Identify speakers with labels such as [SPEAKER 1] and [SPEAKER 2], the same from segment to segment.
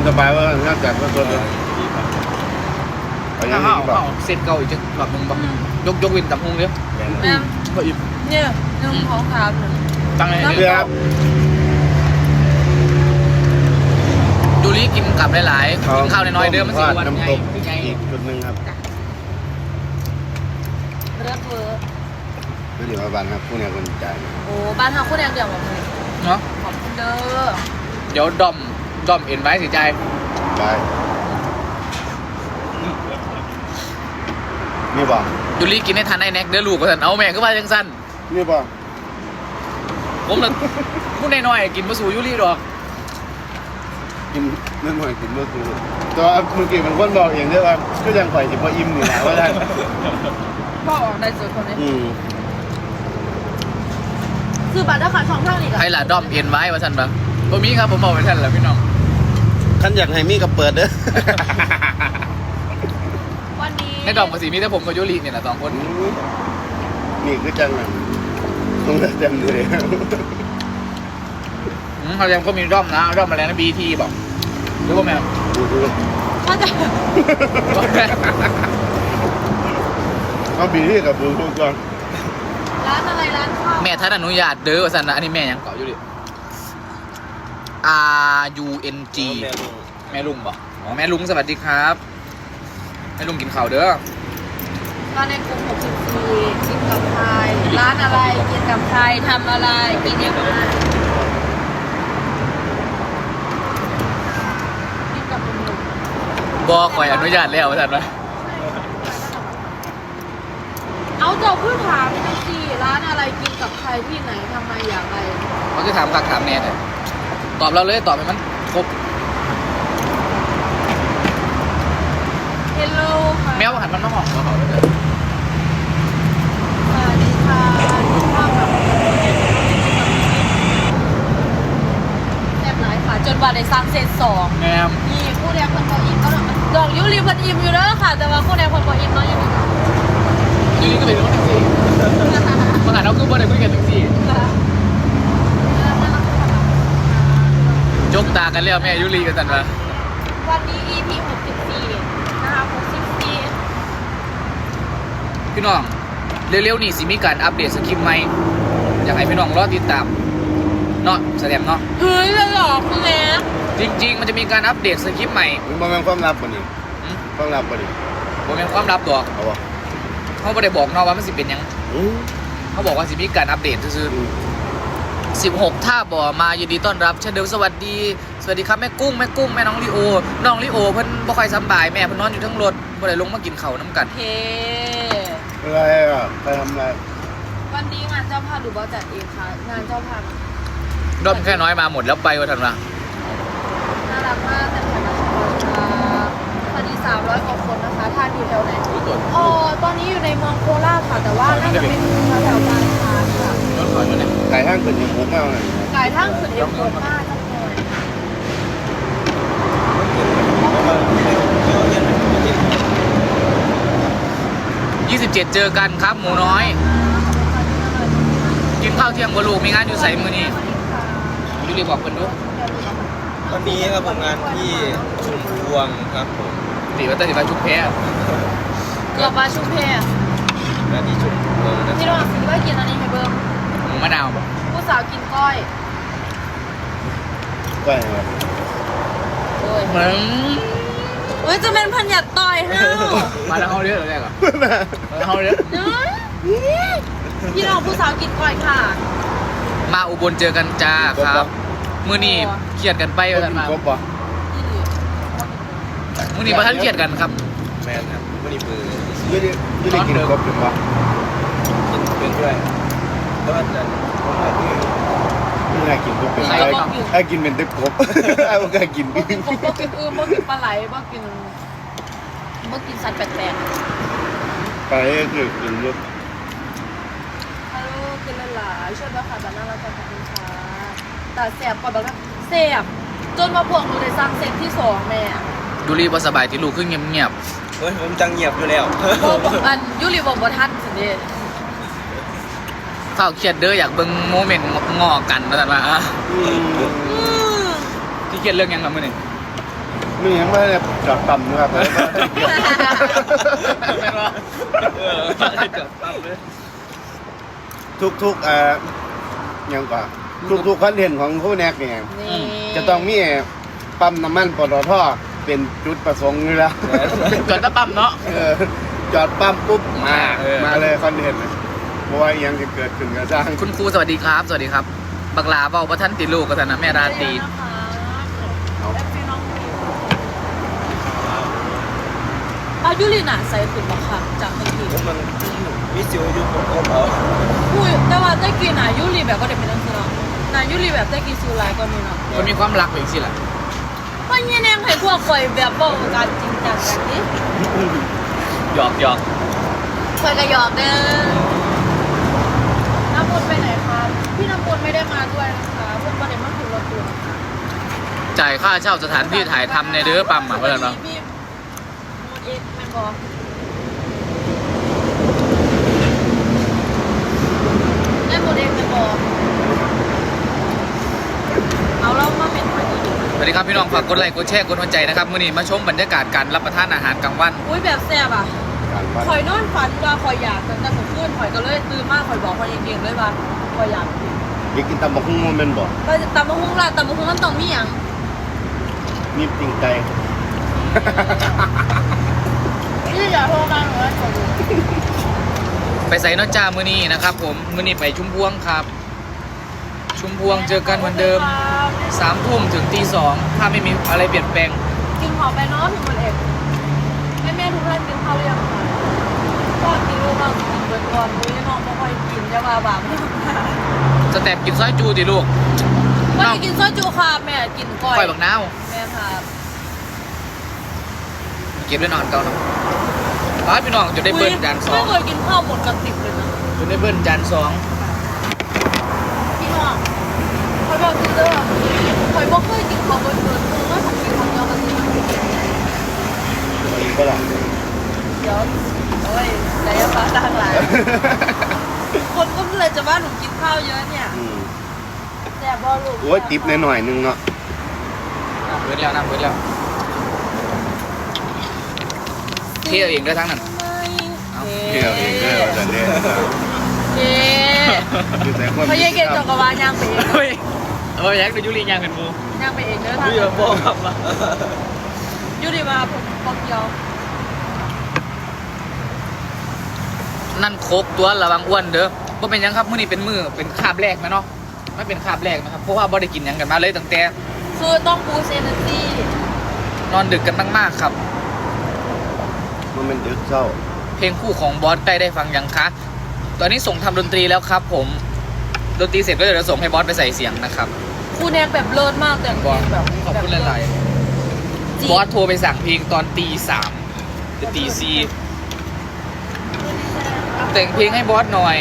[SPEAKER 1] สบายว่าน่าจะก็ตัวเดียว
[SPEAKER 2] ถ้าเขาเสร็จเก่าอีกจะแบบมึงแบบยกวินตับพุงเนี้ย
[SPEAKER 3] แม่
[SPEAKER 2] ก็อิ่ม
[SPEAKER 3] เนี่ย1 2 3
[SPEAKER 2] ตั้งเลย
[SPEAKER 1] เรือครับ
[SPEAKER 2] ดูรีกินกลับหลายๆกินข้าวน้อยๆเดิมมัน4 วัน
[SPEAKER 1] น้ำ
[SPEAKER 2] ไง
[SPEAKER 1] ตก
[SPEAKER 2] ไง
[SPEAKER 1] อีกจุดหนึ่งครับ
[SPEAKER 3] เลือดเวอร์
[SPEAKER 1] ไม่เดี๋ยวมาบ้านครับผู้เนี่ยคนจ่าย
[SPEAKER 3] โอ้บ้านเฮาคนแดงเดียวหมดเลย
[SPEAKER 2] เนาะ
[SPEAKER 3] ขอบคุณเด้อ
[SPEAKER 2] เดี๋ยวดอมเอ็นไว้สิใจ
[SPEAKER 1] บายนี่บ่
[SPEAKER 2] ดูรีกินให้ทันไอ้แน็กเด้อลูกก็สันเอาแม่ก็ว่าจังสั้น
[SPEAKER 1] นี่บ่
[SPEAKER 2] ผมเลยพูดน้อยๆกินมาสู่ยูรีดอก
[SPEAKER 1] กินนั่นหน่อยกินเมื่อคืนแต่ว่าเมื่อกี้มันคนบอกเองด้วยว่าก็ยังปล่อยจิบพออิ่มอยู่นะว่าได้
[SPEAKER 3] พ่อออกได้สุดคนนี้
[SPEAKER 1] อืม
[SPEAKER 3] คือบัตรราคาช่องทางนี่
[SPEAKER 2] ใครล่ะดอมเอ็นไว้ว่าสันปะตัวมีครับผมบอกไปท่านแล้วพี่น้อง
[SPEAKER 1] ขั้นอยากให้มีกับเปิดเด้อ
[SPEAKER 3] วันนี้
[SPEAKER 2] ในดอมกับสีมีแต่ผมกับยูรีเนี่ยแหละ2 คน
[SPEAKER 1] นี่คือจังนะต้องเต็มเลย
[SPEAKER 2] เขายังก็มีดอมนะดอมอะไรนะBTบอกหรือว่าแม่
[SPEAKER 1] ดู
[SPEAKER 3] ถ้าจะ
[SPEAKER 1] เอาบีที่กับบูทูธก่อน
[SPEAKER 3] ร้านอะไรร้านข้าว
[SPEAKER 2] แม่ท่านอนุญาตเด้อว่าสันนะอันนี้แม่ยังเกาะยูรี RUNG แม่ลุงบอกอ๋อแม่ลุงสวัสดีครับแม่ลุงกินข้าวเด้อ
[SPEAKER 3] ร้านในกลุ่ม64กินกับใครร้านอะไรกินกับใครทำอะไรกินยังไงกินกับหนุ่ม
[SPEAKER 2] บอกคอยอนุญาตแล้วว่าสันวะ
[SPEAKER 3] ๆเอาเจ้าพื้นถามไปสิร้านอะไรกินกับใครที่ไหนทำไมอย่างไร
[SPEAKER 2] เขาจะถามคักถามแน่เลยตอบเราเลยตอบให้มันครบ
[SPEAKER 3] เฮลโลค่ะ
[SPEAKER 2] แมวหันมันมาห้องเขาเลย
[SPEAKER 3] สวัสดีค่ะข้าวกับแซ่บหลายค่ะจนว่าได้สร้างเซต2
[SPEAKER 2] แมว
[SPEAKER 3] นี่คู่แดงคนบ่อิ่มก็ดอกยูรีเพิ่นอิ่มอยู่เด้อค่ะ แต่ว่าคู่แดงคนบ่อิ่มเนาะยังไม่ได้
[SPEAKER 2] ยูรีก็เป็นรถแท็กซี่มาหาเราคือบ่ได้คุยกันแท็กซี่จกตากันแล้วแม่ยูรีกันสันวะ
[SPEAKER 3] วันนี้ EP 64นะคะ64
[SPEAKER 2] พี่น้องเร็วๆนี่สิมีการอัปเดตสคริปต์ใหม่อยากให้พี่น้องรอติดตามเนาะแสดงเนาะ
[SPEAKER 3] เฮ้ยจะหลอกคุณแม่
[SPEAKER 2] จริงๆมันจะมีการอัปเดตสคริปต์ใหม่
[SPEAKER 1] มันเป็นความลับป่ะนี่ความลับป่ะนี่
[SPEAKER 2] บ่เป็นความลับตัว
[SPEAKER 1] เอาวะ
[SPEAKER 2] เขาไม่ได้บอกเนาะว่ามันสิเป็นหยัง
[SPEAKER 1] อืม
[SPEAKER 2] เขาบอกว่าสิมีการอัปเดตซื่อ16ท่าบ่อมายินดีต้อนรับเช่นเดิมสวัสดีครับแม่กุ้งแม่น้องลีโอเพิ่นบ่ค่อยสำบายแม่เพิ่นนอนอยู่ทั้งรถบ่ได้ลงมากินข้าวน้ำกัน
[SPEAKER 3] โอเค
[SPEAKER 1] อะไรอ่ะใครทำอะไร
[SPEAKER 3] วันนี้งานเจ้าภาพหรือว่าจัดเองคะงานเจ้าภาพ
[SPEAKER 2] ด้อมแค่น้อยมาหมดแล้วไปว่าทันวะ
[SPEAKER 3] น่ารักมากแต่แขกรับเชิญพอดี300 กว่าคนนะคะท่านอยู่แถวไหนอ๋อตอนนี้อยู่ในเมืองโคราชค่ะแต่ว่าน่าจะเป็นแถวบางพานค่ะ
[SPEAKER 2] รถถอยมาเนี่ย
[SPEAKER 1] ไก่ห้างเกิดอย่างมุกมากเลย
[SPEAKER 3] กายทั้งสุดเอ็มโคมากจังเลย
[SPEAKER 2] 27เจอกันครับหมูน้อย กินข้าวเที่ยงบ่ลูกมีงานอยู่ไสมื้อนี้ยูรีบอกเพิ่นดู
[SPEAKER 4] วันนี้ครับผมงานที่ชุมพวงครับผม
[SPEAKER 2] สิว่าแต่สิว่าชุบแพ้
[SPEAKER 3] เกือบมาชุมเพง
[SPEAKER 4] งานที่ชุมพวงนะ
[SPEAKER 3] ที่เราซื้อไว้กินอันนี้ให้เบิ้ม
[SPEAKER 2] หมูมะนาวบ่
[SPEAKER 3] ผู้สาวกินก้อย
[SPEAKER 1] ก็ยังไง
[SPEAKER 3] โอ้ย
[SPEAKER 2] เหมือน
[SPEAKER 3] เฮ้ยจะเป็นพันหยัดต่อยห้าว
[SPEAKER 2] มาแล้วเฮาเด้อแรกอ่ะเฮาเด้อ
[SPEAKER 3] พี่น้องผู้สาวกินก้อยค่ะ
[SPEAKER 2] มาอุบลเจอกันจ้าครับมื้อนี้เครียดกันไป
[SPEAKER 1] ก็
[SPEAKER 2] ว่าซั่น
[SPEAKER 1] กิน
[SPEAKER 2] มา
[SPEAKER 1] ครบป่ะ
[SPEAKER 2] มื้อนี้บ่ทันเครียดกันครับ
[SPEAKER 4] แมนครับวันนี้มือ
[SPEAKER 1] ยี่ได้กินครบหรือเปล่า
[SPEAKER 4] กินเป็นด้วยก็จะ
[SPEAKER 1] ไม่ได้กินครบเป็นไอ้กินเป็นตึกครบไอ้พวกไอ้กิน
[SPEAKER 3] บ่กินกบบ่กินอึ่งบ่กินปลาไหลบ่กินสัตว์แปลก
[SPEAKER 1] ไปคือกินรส
[SPEAKER 3] ๆฮัลโหลกินหลายๆช่วยด้วยค่ะแต่น่ารักจังขอบคุณค่ะแต่แสบก่อนแบบว่าแสบจนมาพวกหนูได้สร้างเซตที่2แม่
[SPEAKER 2] ยูรีบ่สบายที่ลูกคือเงียบ
[SPEAKER 4] เฮ้ยผมจังเงียบอยู่แล้ว
[SPEAKER 3] บอกอันยูริบอกบ่ทันสิเด้
[SPEAKER 2] ๆเฝ้าเครียดเด้ออยากเบิ่งโมเมนต์งอกันว่าซั่นว่า
[SPEAKER 1] อืม
[SPEAKER 2] ที่เครียดเรื่องหยังครับมื้อนี้
[SPEAKER 1] ไม่ยังไม่ได้จอดต่ำนะครับเลย
[SPEAKER 2] แม่นว่าจบปั๊บเลย
[SPEAKER 1] ทุกยังกว่าทุกคอนเทนต์ของผู้แนกเนี่ย
[SPEAKER 3] นี่
[SPEAKER 1] จะต้องมีปั๊มน้ำมันปตทเป็นจุดประสงค์อยู่แล้ว
[SPEAKER 2] จอดตะปั๊มเนาะ
[SPEAKER 1] จอดปั๊มปุ๊บมา
[SPEAKER 2] เออ
[SPEAKER 1] มาเลยคอนเทนต์เพราะว่ายังจะเกิดขึ้นกับสร้าง
[SPEAKER 2] คุณครูสวัสดีครับ สวัสดีครับ บักลาเบาว่าท่านติดลูกกับท่านนะแม่ราตรี
[SPEAKER 3] อายุรีน่ะใส่ขึ้นบักค่ะจากเมื่อกี้
[SPEAKER 4] มันวิสิวอยู่ผมก็เอา
[SPEAKER 3] อุ้ยแต่ว่าได้กินอายุรีแบบก็ได้เป็นนักแสดงนายุรีแบบได้กินซิวไลก็มีเนาะ
[SPEAKER 2] มันมีความรักอย่างสิล่ะ
[SPEAKER 3] เพราะเนี่ยแนงให้พวกคอยแบบบอกการจริงจังกันนี่
[SPEAKER 2] หยอกหยอก
[SPEAKER 3] คอยกระยอกเด้อน้ำมนต์ไปไหนครับพี่น้ำมนต์ไม่ได้มาด้วยนะคะเพื่อนประเด็นมันคือรถตัว
[SPEAKER 2] จ่ายค่าเช่าสถานที่ถ่ายทำในเด้อปั๊มอ่ะเพื่อนเนาะ
[SPEAKER 3] พี่มดเอ็กแมนบอกได้มดเอ็กแมนบอกเอาเรามาเป็นพอดี
[SPEAKER 2] สวัสดีครับพี่น้องฝากกดไลค์กดแชร์กดหัวใจนะครับมื้อนี้มาชมบรรยากาศการรับประทานอาหารกลางวัน
[SPEAKER 3] อุ้ยแบบแซ่บอ่ะ
[SPEAKER 1] การวัด
[SPEAKER 3] คอยนอนฝันว่าคอยอยากแต่หนูขึ้นคอยก็เลยตื่นมากคอยบอกคอยเองๆเลยว่าคอยอยากกิน
[SPEAKER 1] อยากกินตำบักหุ่งมันเป็นบ่
[SPEAKER 3] ไปตำมะฮุ่งละตำมะฮุ่งมันต้องมีอย่าง
[SPEAKER 1] นี่ปิ่งไก่
[SPEAKER 3] นี่อย่าโทรมาหนูเลยขอดู
[SPEAKER 2] ไปใส่นอจ้ามื้อนี้นะครับผมมื้อนี้ไปชุมพวงครับ ชุมพวงเจอกันเหมือนเดิม3 ทุ่มถึงตี 2ถ้าไม่มีอะไรเปลี่ยนแปลง
[SPEAKER 3] กินหอมไปเนาะพี่มดเอกแม่ทุกท่านกินข้าวหรือยังคะก็กินลูกเรากินเบิร์ดก่อนมื้อนี้น้องไม่ค่อยกินจะมาบาปไม่ทำงาน
[SPEAKER 2] สเต็ปกินซอยจูดิลูก
[SPEAKER 3] วันนี้กินซอยจูค่ะแม่กินก้อย
[SPEAKER 2] ก้อยบักนาว
[SPEAKER 3] แม่ค่ะ
[SPEAKER 2] เก็บได้นอนเก่าเนาะป้าพี่น้องจะได้เบิ้ลจานสอ
[SPEAKER 3] ไม่
[SPEAKER 2] ง
[SPEAKER 3] เคยกินข้าวหมดกระติบเลยนะ
[SPEAKER 2] จะได้เบิ้ลจานสอง
[SPEAKER 3] พี่น้องคอยบอกกินเด้อคอยบอกเคยกินข้าวเบิร์ดเบิร์ดคือว่าทำกินข้าวเดียวกันสิ
[SPEAKER 1] อีกก็ล่ะ
[SPEAKER 3] เดี๋ยวโอ้ยไหนจะฟ้าต่างหลายคนก็เลยจะว่าหนูกินข้าวเยอะเนี่ย
[SPEAKER 1] อืม
[SPEAKER 3] แต่บอลูก
[SPEAKER 1] โอ้ยติปหน่อยๆนึงเนาะ
[SPEAKER 2] เบิ้ลแล้วนะเบิ้ลแล้วเที่ยวเองด้วยทั้งนั้น เอา
[SPEAKER 1] เที่ยวเองเด้อแต่เด้อ
[SPEAKER 3] เย้
[SPEAKER 1] อยู่แต่ความ
[SPEAKER 3] พยายเก่งจักรวาลย่างไปเอง
[SPEAKER 2] เฮ้ยอยากดูยุรียางกันมู
[SPEAKER 3] ย่างไปเองเด้อท่าน
[SPEAKER 4] พี่บอกครับ
[SPEAKER 3] ยูดีมาผมบอกเดียว
[SPEAKER 2] นั่นโคกตัวระวังอ้วนเด้อว่าเป็นหยังครับมื้อนี้เป็นมื้อเป็นคาบแรกไหมเนาะไม่เป็นคาบแรกนะครับเพราะว่าบ่ได้กินหยังกันมาเลยตั้งแต่
[SPEAKER 3] คือต้องบูสต์เอเนอร์จี
[SPEAKER 2] นอนดึกกันมากๆครับ
[SPEAKER 1] มันเป็นดึกเศร้า
[SPEAKER 2] เพลงคู่ของบอสใกล้ได้ฟังยังคะตอนนี้ส่งทำดนตรีแล้วครับ ผมดนตรีเสร็จก็เดี๋ยวจะส่งให้บอสไปใส่เสียงนะครับ
[SPEAKER 3] ครูแนกแบบเลิศมากแต่งเพลงแบบ
[SPEAKER 2] ขอบคุณหลาย
[SPEAKER 3] จริง
[SPEAKER 2] ๆบอสโทรไปสั่งเพลงตอนตี 3หรือตี 4แต่งเพลงให้บอสหน่อย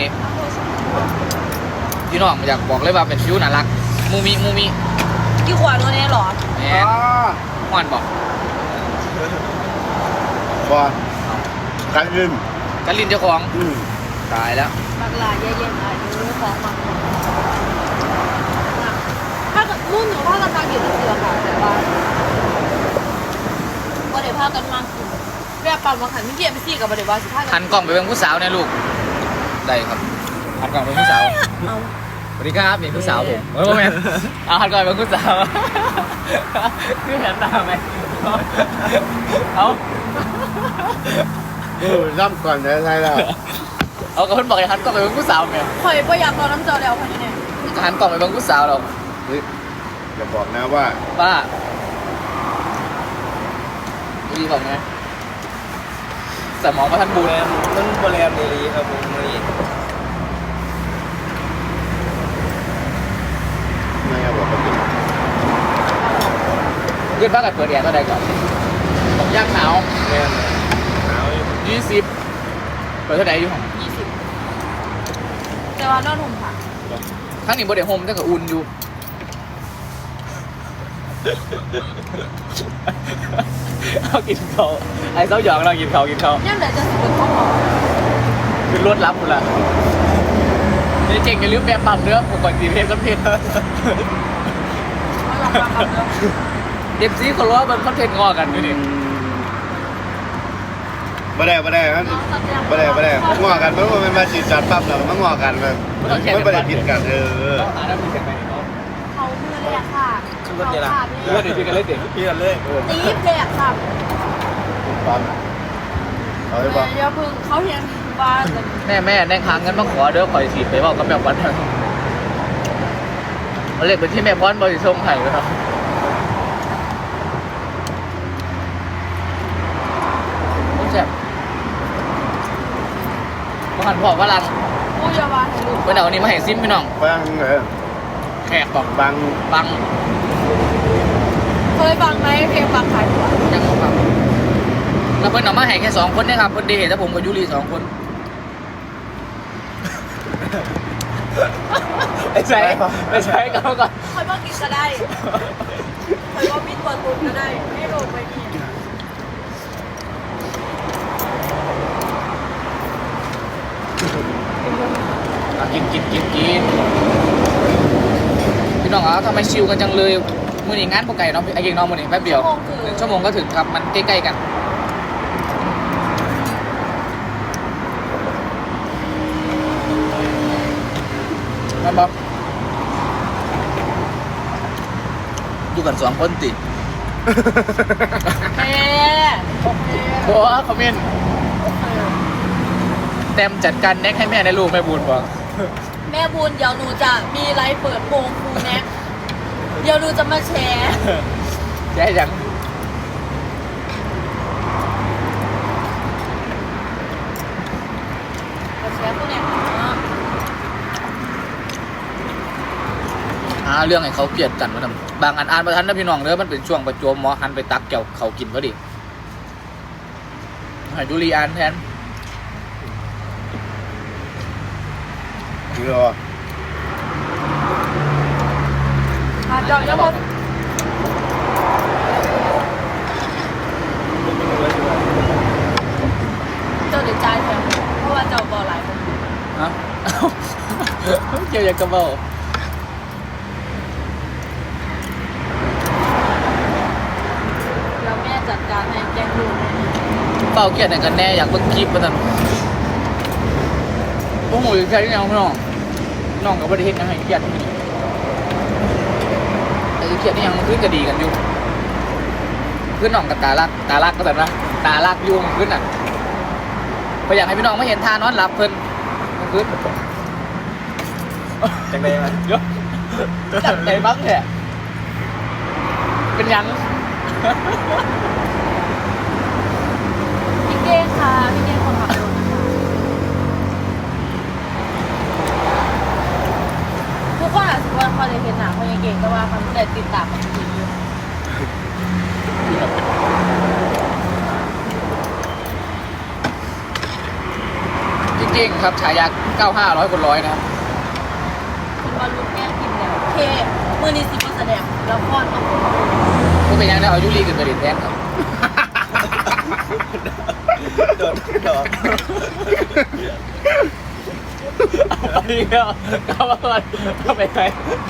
[SPEAKER 2] พี่น้องอยากบอกเลยว่าเป็นฟิวน่ารักมูมิ
[SPEAKER 3] กี่ขวานตัวนี้หรอ
[SPEAKER 2] แหมม่วนบอก
[SPEAKER 1] ว่าการยืน
[SPEAKER 2] กันลินเจ้าของ
[SPEAKER 1] อืม
[SPEAKER 2] ตายแล้ว
[SPEAKER 3] บักหลายเย็นๆอายุของมันถ้าเกิดมุ่นหนูว่ากันมากี่เดือนค่ะแต่ว่าก็เดี๋ยวพากันมาคือแบบปั๊มมาขันไม่เกี่ยวไปซี่กับเดี๋ยวว่าสิพากั
[SPEAKER 2] หันกล่องไปเป็นผู้สาวเนี่ยลูกได้ครับหันกล่องเป็นผู้สาว
[SPEAKER 3] เอา
[SPEAKER 2] สวัสดีครับเป็นผู้สาวผมโอ้ยแม่เอาหันกล่องเป็นผู้สาวคือเห็นตาไหมเอา
[SPEAKER 1] ร่ำก่อนได้ใช่แล้ว
[SPEAKER 2] เอากับเพื่อนบอกให้หันกล่องไปเป็นผู้สาวไหม
[SPEAKER 3] ข่อยประหยัดตอนน้ำเจอแล้วค่ะนี่เนี่ย
[SPEAKER 2] หันกล่องไปเป็นผู้สาวเรา
[SPEAKER 1] เฮ้ยอย่าบอกนะว่า
[SPEAKER 2] ป้าดีบอกไงสมองมาทันบู
[SPEAKER 4] แร
[SPEAKER 2] เลย
[SPEAKER 4] มมันโบแรมเดลีครับผมมื้อนี้
[SPEAKER 1] ไม่เอาบอกกันดิ
[SPEAKER 2] เพื่อนบ้านกับเปิดแอร์ตัวใดก่อนผมย่างหนาว
[SPEAKER 4] แรมหนาวอยู่
[SPEAKER 2] 20เปิดเท่าไหร่อยู่ของ
[SPEAKER 3] แต่ว่านอนหุ่มค่ะ
[SPEAKER 2] ทั้งนี้บ่ได้โฮมแต่ก็อุ่นอยู่ เอากินเขาไอ้เจ้าหยองเรากินเขา
[SPEAKER 3] ย่ำไหนจะสิเป็นข้าวหอม
[SPEAKER 2] คือรวดรับหมดละนี่เจ๋งอย่าลืมแบบปรับเนื้อผมก่อนสีเพชรก็เพชร
[SPEAKER 3] เอาลองฟังกันเนาะ
[SPEAKER 2] เด็กซีเขาล้อมันคอนเทนต์งอกันอยู่นี่
[SPEAKER 1] บ่ได้ครับบ่ได้ง้อกันมันเป็นมาจีบจัดปั๊บแล้วมันง้อกันมันบ่ได้ผิดกัน
[SPEAKER 2] ต้องหาได้มีเสร็จไหมเนาะ
[SPEAKER 3] เขามือเลยอะค่ะเขาขาด
[SPEAKER 2] เพื่อนเดี๋ยวพี่กันเลยเด็ก
[SPEAKER 4] เปลี่ยนเลย
[SPEAKER 3] ตีบเลยอะค่ะ
[SPEAKER 1] ปั๊มเอาได้ป่ะ
[SPEAKER 3] เดี๋ยวพึ่งเขาเห็นบ้านเลย
[SPEAKER 2] แม่แน่ค้างเงินมาขอเด้อขอสีไปบอกกับแม่พรเรียกไปที่แม่พรบริชงไห่เลยครับแซ่บมาหันพอว่าลัง
[SPEAKER 3] ผู้ยาบาลให้ลูก
[SPEAKER 2] เมื่อเดี๋ยวนี้มาให้ซิมพี่น้อง
[SPEAKER 1] ฟัง
[SPEAKER 2] แขกบอก
[SPEAKER 1] บัง
[SPEAKER 2] บัง
[SPEAKER 3] เคยฟังไหมเพลงฟังขายตัว
[SPEAKER 2] ยังบอกครับแล้วเพิ่นเอามาให้แค่2 คนเนี่ยครับเพิ่นได้เห็นแต่ผมกับยูรี2 คนไอ้ใช้กันก่อน
[SPEAKER 3] เคยว่ากินก็ได้เคยว่ามีตัวตุนก็ได้ไม่โดนไปนี่
[SPEAKER 2] กินพี่น้องทำไมชิวกันจังเลยมื้อนี้งานปกไก่เนาะไอ้เก่งน้องมื้อนี้แป๊บเดียว1 ชั่วโมงก็ถึงครับมันใกล้ๆกันมันบอกอยู่กัน2 คนติ
[SPEAKER 3] เฮ้โอเค
[SPEAKER 2] โอ้คอมเมนต์เต็มจัดการแน็กให้แม่ในลูกแม่บุญบอก
[SPEAKER 3] แม่บุญเดี๋ยวหนูจะมีไลฟ์เปิดโปงครูแน็กเดี๋ยวหนูจะมาแชร์
[SPEAKER 2] ได้ยัง
[SPEAKER 3] มาแชร์พวกเนี้ย
[SPEAKER 2] เรื่องให้เขาเกลียดกันมาทำบางอันอ่านประทันนะพี่น้องเด้อมันเป็นช่วงประจวบหมอหันไปตักแก้วเขากินพอดีให้ดูรีอ่านแทน
[SPEAKER 1] คือรอ
[SPEAKER 3] เจ้ายังบอกเจ้าเดี๋ยวจ่ายแทนเพราะว่าเจ้าบอหลายคน
[SPEAKER 2] ฮะเกี่ยวกับกระเป๋า
[SPEAKER 3] แล้วแม่จัดการให้แจ้งดูให้
[SPEAKER 2] เป้าเกลียดไหนกันแน่อยากเบิ่งคลิปมาทำพวกหมูใช่ยังพี่น้องน้องกับประเทศยังไงเกลียดที่นี่แต่เกลียดนี่ยังมันขึ้นกระดีกันอยู่ขึ้นน้องกับตาลักก็แบบนะตาลักยุ่งขึ้นอ่ะก็อยากให้พี่น้องไม่เห็นทานอนหลับเพิ่นมันขึ้น
[SPEAKER 4] จังเลยมัน
[SPEAKER 2] เยอะจัดใจบ้างเนี่ยเป็นยัง
[SPEAKER 3] พี่เก้งค่ะพี่เก้งคนขับรถนะคะทุกคนอาจจะว่าเขาเลยเห็นหนาเขายังเก่งก็ว่าเขาแต่ติดตามมันจริงอยู่
[SPEAKER 2] จริงๆครับฉายา9500 คนร้อยนะครับ
[SPEAKER 3] คุณบอลลูนแม่กินแล้วโอเคมือนี้สิบแสดงแล้วก็ต้อง
[SPEAKER 2] ก็เป็นยังได้เอายุรีกันไปเรียนแทนครับ
[SPEAKER 4] โดน
[SPEAKER 2] เอาอีกแล้วเข้ามาก่อนเข้าไปไหน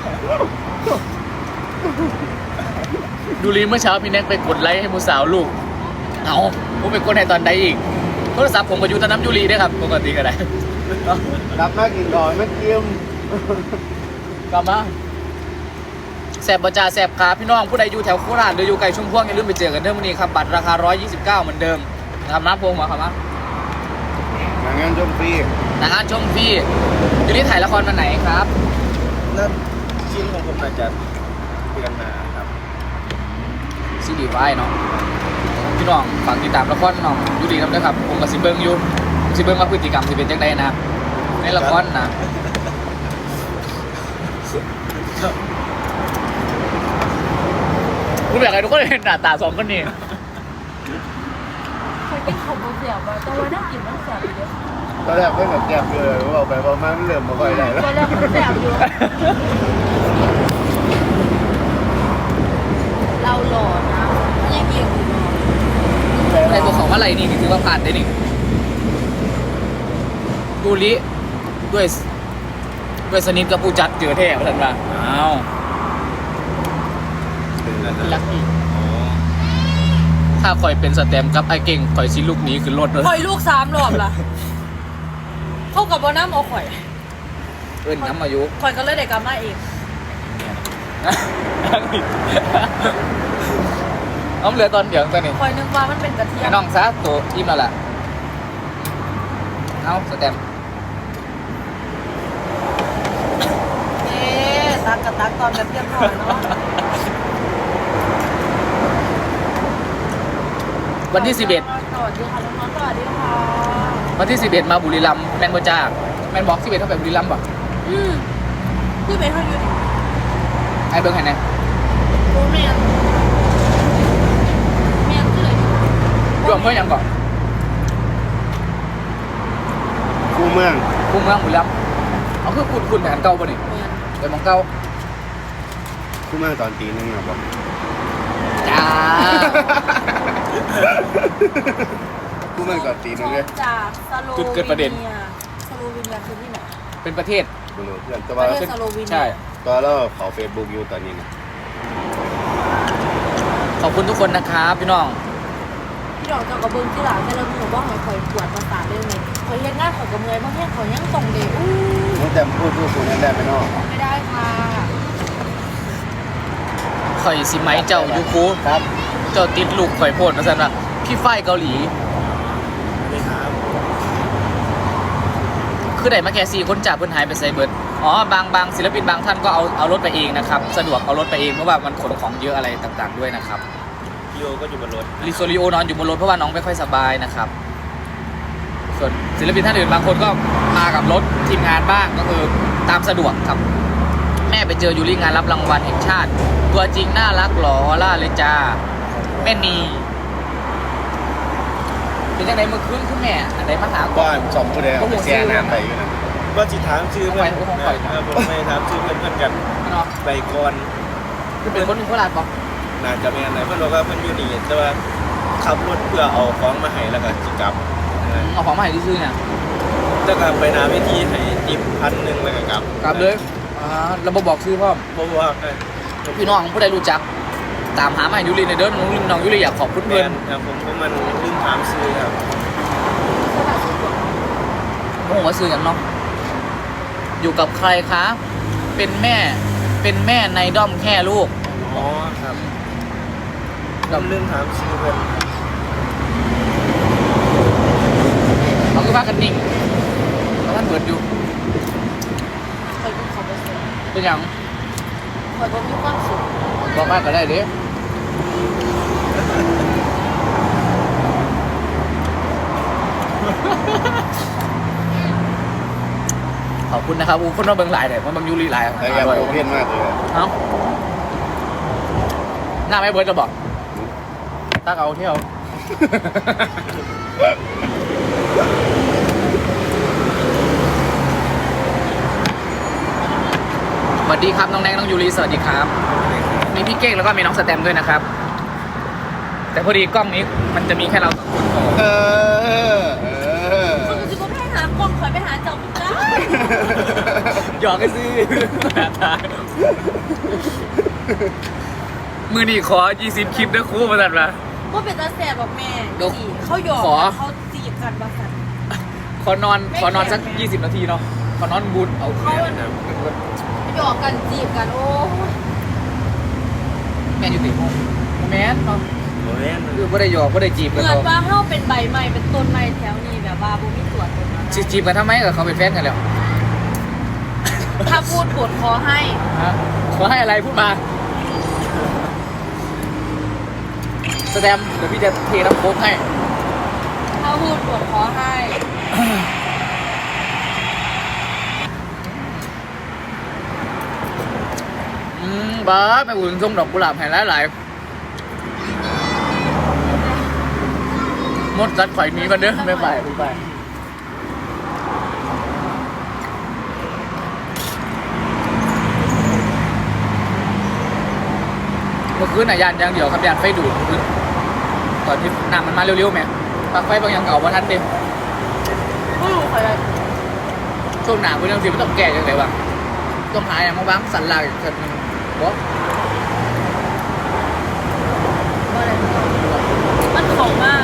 [SPEAKER 2] ดูรีเมื่อเช้าพี่แน็กไปกดไลค์ให้มูสาวลูกเอาผมไปกดให้ตอนใดอีกโทรศัพท์ผมก็อยู่ตอนน้ำยูรีด้วยครับปกติก็ได้
[SPEAKER 1] รับมากินก่อนไม่เกี่ยม
[SPEAKER 2] กลับมาแสบประจาแสบขาพี่น้องผู้ใดอยู่แถวโคราชหรืออยู่ไกลชุมพวงอย่าลืมไปเจอกันเด้อวันนี้ครับบัตรราคา129เหมือนเดิมนะครับน้ำพงมาครับมา
[SPEAKER 1] งานชมฟรี
[SPEAKER 2] หนังงานชมฟรียูรีถ่ายละครวันไหนครับ
[SPEAKER 4] นั่นชิ้นของผมอาจจะเดือนหน้าครับ
[SPEAKER 2] ซีดีไว้เนาะพี่น้องฝากติดตามละครน้องยูรีนำด้วยครับผมกับซิเบิ้งอยู่ซิเบิ้งว่าพฤติกรรมจะเป็นจังไดนะในละครนะกูอยากให้ทุกคนเห็นหน้าตา2 คนนี้
[SPEAKER 3] เคยกินของเสียบแต่ว่าน่ากินมันเสียบอยู่
[SPEAKER 1] ตอนแรกเพิ่งแบบแจ็บเลยบอกไปบอกมาเริ่มมาค่อยได้แล้ว
[SPEAKER 3] ตอนแรกมันเสียบอยู่เราหล่อนะยังเก่งอยู่
[SPEAKER 2] อะไรตัวของอะไรนี่ถือว่าผ่านได้นี่ดูลิด้วยสนิทกับผู้จัดเจอแท้มาทันว่าอ้าว
[SPEAKER 4] เป็นแล้ว
[SPEAKER 2] ลักกี้
[SPEAKER 4] อ๋อ
[SPEAKER 2] ถ้าข่อยเป็นสแตมกับไอ้เก่งข่อยสิลูกหนี้ขึ้นรถเลย
[SPEAKER 3] ข่อยลูก3 รอบล่ะเข้ากับบ่น้ำเอาข่อย
[SPEAKER 2] เอิ้นน้ำอายุ
[SPEAKER 3] ข่อยก็เลยได้กลับมาเอง
[SPEAKER 2] เอาเหลือตอนเดียวตอนนี้
[SPEAKER 3] ข่อยนึกว่ามันเป็นกระเทีย
[SPEAKER 2] ไอ้
[SPEAKER 3] ม
[SPEAKER 2] น้องซะตัวอิ่มแล้วล่ะเอาสแตมป์
[SPEAKER 3] เอ๊ะตักกับตักตอนแบบเรียบร้อยเนาะ
[SPEAKER 2] วันที่ 11
[SPEAKER 3] สวัสดีค่ะน้องๆสวัสดีค่ะ
[SPEAKER 2] วันที่ 11 มาบุรีรัมย์แมนบ่จ้าแมนบอก11เท่าไปบุรีรัมย์ป่ะ
[SPEAKER 3] ที่เป็นเท่าอยู่ดิ
[SPEAKER 2] ไอ้เบิ้งให้แหน่
[SPEAKER 3] โรแมนแมนคืออะไรดิ
[SPEAKER 2] รวมเพื่อนยังก่อน
[SPEAKER 1] คู่เมือง
[SPEAKER 2] คุ้มเมืองบุรีรัมย์เอาคือคุณแผนเก่าป่ะนี่
[SPEAKER 3] แมน
[SPEAKER 2] ไปมองเก่า
[SPEAKER 1] คู่เมืองตอนตีหนึงอะบอก
[SPEAKER 2] จ้า
[SPEAKER 1] คู่เมืองตอนตีหนึงเลย
[SPEAKER 3] จากสโล
[SPEAKER 2] จุดเกิดประเด็น
[SPEAKER 3] สโลวีเนียคือที่ไหน
[SPEAKER 2] เป็นประเทศ
[SPEAKER 1] บรู้เพื่อนแต่
[SPEAKER 3] ป
[SPEAKER 1] ว่า
[SPEAKER 3] ระเทศสโลวีเนีย
[SPEAKER 2] ใช่
[SPEAKER 1] ตอนเราเขาเฟซบุ๊กอยู่ตอนนี้นะ
[SPEAKER 2] ขอบคุณทุกคนนะครับพี่น้อง
[SPEAKER 3] พี่ดอกเจ้ากระเบื้องที่หลังแต่เราหนูว่าหอยคอยปวดประสาทได้ไหมคอยเฮ็ดงานขอยกระเมอยบางทีขอยยังส่งเด็กอู้
[SPEAKER 1] น้องแต้มพูดนั่นได้ไหมเนาะ
[SPEAKER 3] ไม่ได้ค่ะ
[SPEAKER 2] ข่อยสิไหมเจ้ายูคู
[SPEAKER 1] ครับ
[SPEAKER 2] เจ้าติดลูกข่อยโพดมาสั่นว่าพี่ฝ้ายเกาหลี
[SPEAKER 4] นี่ครับ
[SPEAKER 2] คือได้มาแค่4คนจากเพิ่นหายไปไซเบิร์ดอ๋อบางศิลปินบางท่านก็เอารถไปเองนะครับสะดวกเอารถไปเองเพราะว่ามันขนของเยอะอะไรต่างๆด้วยนะครับ
[SPEAKER 4] พี่โอก็อยู่บนรถ
[SPEAKER 2] ลิโซริโอนอนอยู่บนรถเพราะว่าน้องไม่ค่อยสบายนะครับ ส่วนศิลปินท่านอื่นบางคนก็มากับรถทีมงานบ้างก็คือตามสะดวกครับ แม่ไปเจออยู่ที่งานรับรางวัลแห่งชาติ ตัวจริงน่ารักหล่อล่าเลยจ้าแม่นีเป็นยังไงเมื่อคืนคุณแม่อันไหนมาหาก่อน
[SPEAKER 1] บ้านสองผู้ใดเอาไปแช่น้ำไปอยู่นะ
[SPEAKER 4] ว่าจิถามชื่อเพื่อน
[SPEAKER 2] ผมไป
[SPEAKER 4] ผมไม่ถามชื่อเพื่อนกัน
[SPEAKER 2] เนาะ
[SPEAKER 4] ใบกร
[SPEAKER 2] คือเป็นคนโคราชปะ
[SPEAKER 4] น่าจะแม่นไหนเพื่อนบอกว่าเพื่อนอยู่นี่แต่ว่าขับรถเพื่อเอาของมาให้แล้วก็จิกลับ
[SPEAKER 2] เอาของมาให้ที่ซื้อเนี่ย
[SPEAKER 4] แล้วก็ไปหนาเวทีให้ติบ1,000แล้วก็กลับ
[SPEAKER 2] กลับเลยเราบอกชื่อพ่อ
[SPEAKER 4] บอกว่า
[SPEAKER 2] พี่น้องผู้ใดรู้จัก ตามหามาให้ยูริในเด้อน้องยูริอยากขอบคุณ
[SPEAKER 4] แม
[SPEAKER 2] เพื่อน
[SPEAKER 4] นครับผมก็มันลืมถามซื้อครับ
[SPEAKER 2] โอ้โหว่าซื้ออย่างเนาะอยู่กับใครคะเป็นแม่ในด้อมแค่ลูก
[SPEAKER 4] อ๋อครับผมลืมถามซื้อเพื่อน
[SPEAKER 2] เขาคือว่ากันนิ่งแล้วท่านเบิดอยู่
[SPEAKER 3] คอยดูเขาไปเสร็จ
[SPEAKER 2] เป็นอย่าง
[SPEAKER 3] คอยบ่มีความสุข
[SPEAKER 2] บอกว่าก็ได้เด้ขอบคุณนะครับคนมาเบิ่งหลายเลยมาเบิ่งยูริหลาย
[SPEAKER 1] แต่ยังโอเพี้ยนมากเลย
[SPEAKER 2] เอ้าหน้าไม่เบิร์ดจะบอกตักเอาเที่ยว สวัสดีครับน้องแนงน้องยูริสวัสดีครับ มีพี่เก้งแล้วก็มีน้องสแตมด้วยนะครับ แต่พอดีกล้องนี้มันจะมีแค่เราสองคนพอ
[SPEAKER 1] เออ
[SPEAKER 3] คนจะบ่ไปหากล้องคอยไปหาเจ้าคุณจ้า
[SPEAKER 2] หยอกกันสิ มือนี่ขอ20คลิปด้วยครู่มาตัดมา
[SPEAKER 3] ว่าเป็นตาแสบบอกแม่
[SPEAKER 2] เดี๋ยว
[SPEAKER 3] จีเขาหยอก
[SPEAKER 2] ขอ
[SPEAKER 3] เขาจีบกันบ้ากัน
[SPEAKER 2] ขอนอนสัก20 นาทีเนาะขอนอนบูทเอา
[SPEAKER 3] เขาหยอกกันจีบกันโอ้ย
[SPEAKER 2] แม่อยู่ติดห้องแม่นเนาะ
[SPEAKER 4] โอ้ย
[SPEAKER 2] คือไม่ได้หยอกไม่ได้จีบ
[SPEAKER 3] เห
[SPEAKER 2] กัน
[SPEAKER 3] มือน
[SPEAKER 2] เขา
[SPEAKER 3] ว่าเขาเป็นใบไม้เป็นต้นไม้แถวนี้แบบว่าบุมีตัวตนอะไร
[SPEAKER 2] จีบกันทำไมกับเขาเป็นแฟนกันแล้ว
[SPEAKER 3] ถ้าพูดบทขอให้
[SPEAKER 2] ฮะขอให้อะไรพูดมาสแตมป์เดี๋ยวพี่จะเทน้ำโค้กให้
[SPEAKER 3] ถ้าพูดบทขอให้
[SPEAKER 2] บ้าไปอุ่นส่งดอกกุหลาบให้หลายๆมดจัดข่อยหนี้กันเด้อไม่ไปไม่ไปเมื่อคืนน่ะยานอย่างเดียวครับยานไฟดูดเมื่อคืนตอนที่น้ำมันมาเร็วๆแม่ปลั๊กไฟบางอย่างเก่าว่าทันเต็ม
[SPEAKER 3] ไม่รู้ใครเลย
[SPEAKER 2] ช่วงหนาคุณยังสิไม่ต้องแก่ยังไงวะต้องหาอย่างมาบ้างสันหลังอีกสันหนึ่งบอก
[SPEAKER 3] มันของมาก